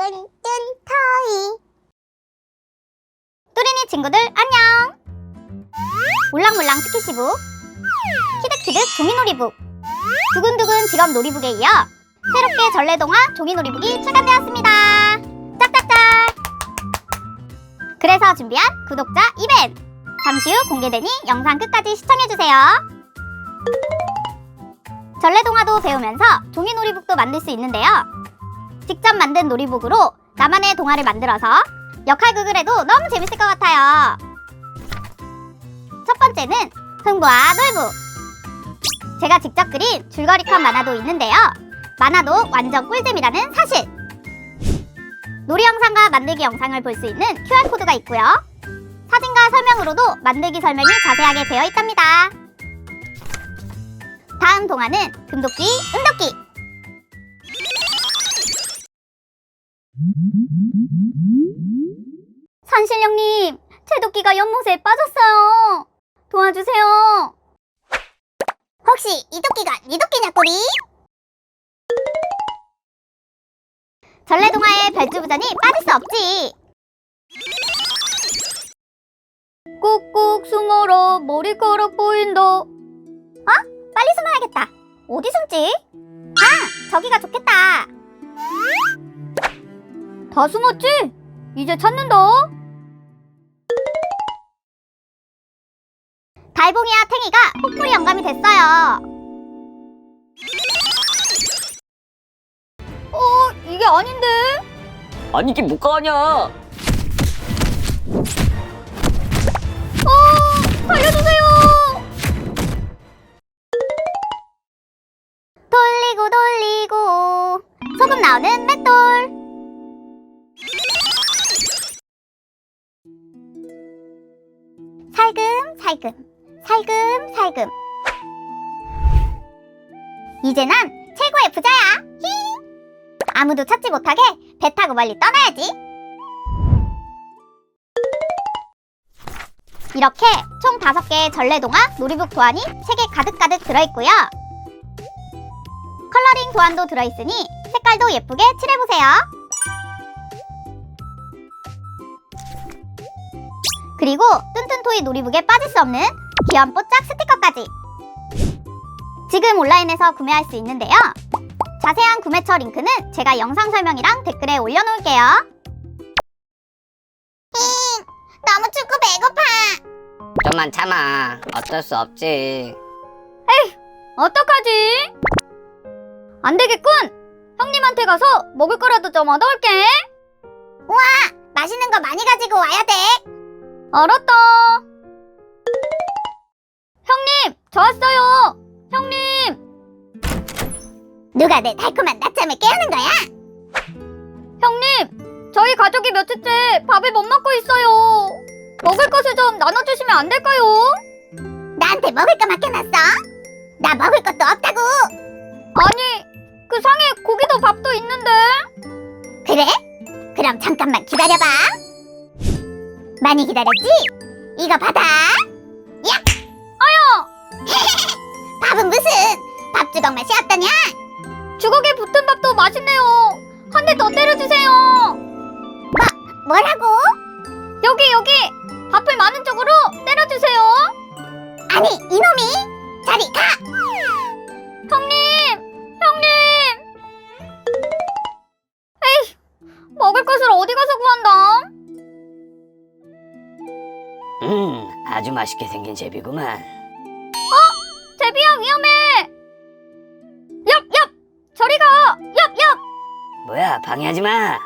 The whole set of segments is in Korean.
토이. 뚜린이 친구들 안녕. 몰랑몰랑 스키시북, 키득키득 종이놀이북, 두근두근 직업 놀이북에 이어 새롭게 전래동화 종이놀이북이 출간되었습니다. 짝짝짝. 그래서 준비한 구독자 이벤트, 잠시 후 공개되니 영상 끝까지 시청해주세요. 전래동화도 배우면서 종이놀이북도 만들 수 있는데요. 직접 만든 놀이북으로 나만의 동화를 만들어서 역할극을 해도 너무 재밌을 것 같아요. 첫 번째는 흥부와 놀부. 제가 직접 그린 줄거리 컷 만화도 있는데요. 만화도 완전 꿀잼이라는 사실. 놀이 영상과 만들기 영상을 볼 수 있는 QR코드가 있고요. 사진과 설명으로도 만들기 설명이 자세하게 되어 있답니다. 다음 동화는 금도끼, 은도끼. 산신령님, 제 도끼가 연못에 빠졌어요. 도와주세요. 혹시 이 도끼가 네 도끼냐, 꼬리? 전래동화의 별주부전이 빠질 수 없지. 꾹꾹 숨어라, 머리카락 보인다. 빨리 숨어야겠다. 어디 숨지? 저기가 좋겠다. 다 숨었지? 이제 찾는다. 달봉이와 탱이가 폭풀이 영감이 됐어요. 이게 아닌데? 아니 이게 뭐가 아냐? 살려주세요! 돌리고 돌리고 소금 나오는 맷돌. 살금살금 살금살금. 이제 난 최고의 부자야. 아무도 찾지 못하게 배 타고 멀리 떠나야지. 이렇게 총 5개의 전래동화 놀이북 도안이 책에 가득가득 들어있고요. 컬러링 도안도 들어있으니 색깔도 예쁘게 칠해보세요. 그리고 뚠뚠토이 놀이북에 빠질 수 없는 귀여운 뽀짝 스티커까지. 지금 온라인에서 구매할 수 있는데요. 자세한 구매처 링크는 제가 영상 설명이랑 댓글에 올려놓을게요. 너무 춥고 배고파. 좀만 참아. 어쩔 수 없지. 어떡하지? 안 되겠군. 형님한테 가서 먹을 거라도 좀 얻어올게. 우와, 맛있는 거 많이 가지고 와야 돼. 알았다. 형님, 저 왔어요. 형님. 누가 내 달콤한 낮잠을 깨우는 거야? 형님, 저희 가족이 며칠째 밥을 못 먹고 있어요. 먹을 것을 좀 나눠주시면 안 될까요? 나한테 먹을 거 맡겨놨어? 나 먹을 것도 없다고. 아니, 그 상에 고기도 밥도 있는데. 그래? 그럼 잠깐만 기다려봐. 많이 기다렸지? 이거 받아. 야! 아유! 밥은 무슨 밥주걱 맛이 어떠냐? 주걱에 붙은 밥도 맛있네요. 한 대 더 때려주세요. 뭐라고? 여기 밥풀 많은 쪽으로 때려주세요. 아니, 이놈이 저리 가. 형님. 에이, 먹을 것을 어디 가서 구한다. 아주 맛있게 생긴 제비구만. 제비야, 위험해. 엽 저리 가. 엽. 뭐야, 방해하지 마.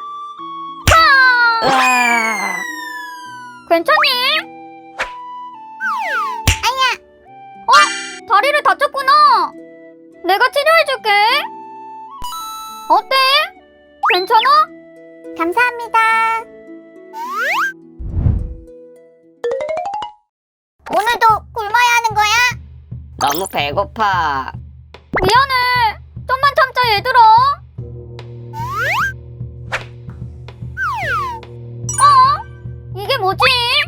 괜찮니? 아야. 다리를 다쳤구나. 내가 치료해줄게. 어때? 괜찮아? 감사합니다. 오늘도 굶어야 하는 거야? 너무 배고파. 미안해. 좀만 참자, 얘들아. 이게 뭐지?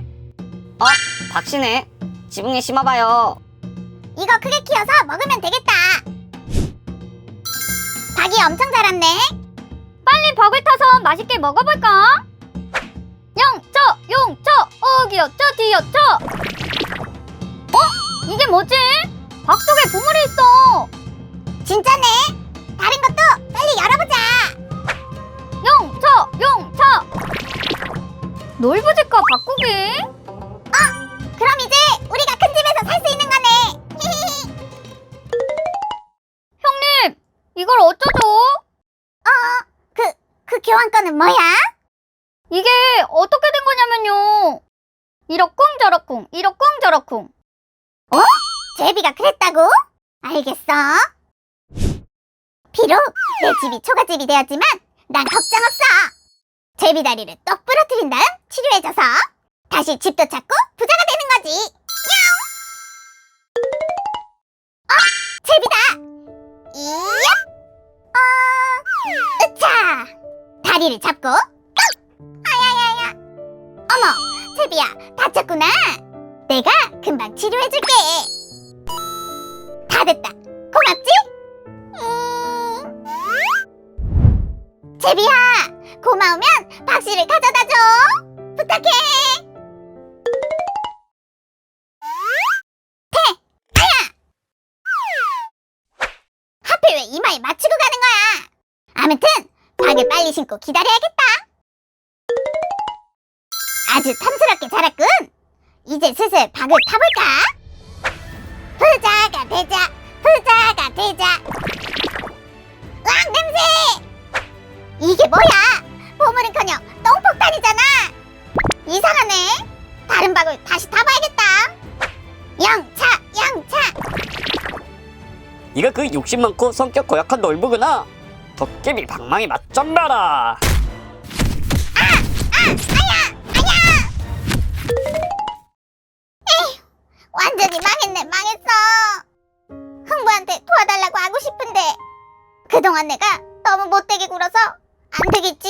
박씨네. 지붕에 심어봐요. 이거 크게 키워서 먹으면 되겠다. 닭이 엄청 자랐네. 빨리 벽을 타서 맛있게 먹어볼까? 영차 용차 어기여차 뒤여차. 이게 뭐지? 박 속에 보물이 있어. 진짜네. 다른 것도 빨리 열어보자. 영차 용차. 놀부집과 바꾸기. 그럼 이제 우리가 큰 집에서 살 수 있는 거네. 형님, 이걸 어쩌죠? 그 교환권은 뭐야? 이게 어떻게 된 거냐면요. 이러쿵저러쿵, 이러쿵저러쿵. 제비가 그랬다고? 알겠어. 비록 내 집이 초가집이 되었지만 난 걱정 없어. 제비 다리를 똑 부러뜨린 다음 치료해줘서 다시 집도 찾고 부자가 되는 거지. 야옹! 제비다. 이야! 으차! 다리를 잡고 아야야야. 어머, 제비야, 다쳤구나. 내가 금방 치료해줄게. 다 됐다. 고맙지? 제비야, 고마우면 박씨를 가져다줘. 부탁해. 하필 왜 이마에 맞추고 가는 거야? 아무튼 박을 빨리 신고 기다려야겠다. 아주 탐스럽게 자랐군. 이제 슬슬 박을 타볼까? 부자가 되자, 부자가 되자. 으악, 냄새! 이게 뭐야? 보물은커녕 똥폭탄이잖아. 이상하네. 다른 박을 다시 타봐야겠다. 영차, 영차. 네가 그 욕심 많고 성격 고약한 놀부구나. 도깨비 방망이 맛 좀 봐라. 완전히 망했네, 망했어. 흥부한테 도와달라고 하고 싶은데 그동안 내가 너무 못되게 굴어서 안 되겠지?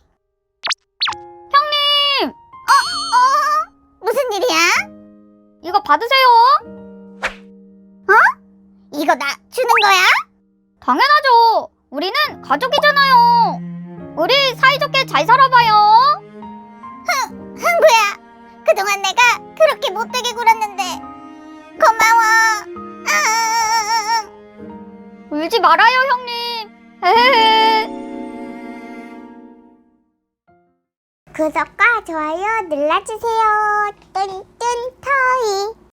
형님! 무슨 일이야? 이거 받으세요. 이거 나 주는 거야? 당연하죠. 우리는 가족이잖아요. 우리 사이좋게 잘 살아봐요. 흥부야, 그동안 내가 그렇게 못되게 굴었는데 고마워. 울지 말아요, 형님. 헤헤헤. 구독과 좋아요 눌러주세요. 뚠뚠 터이.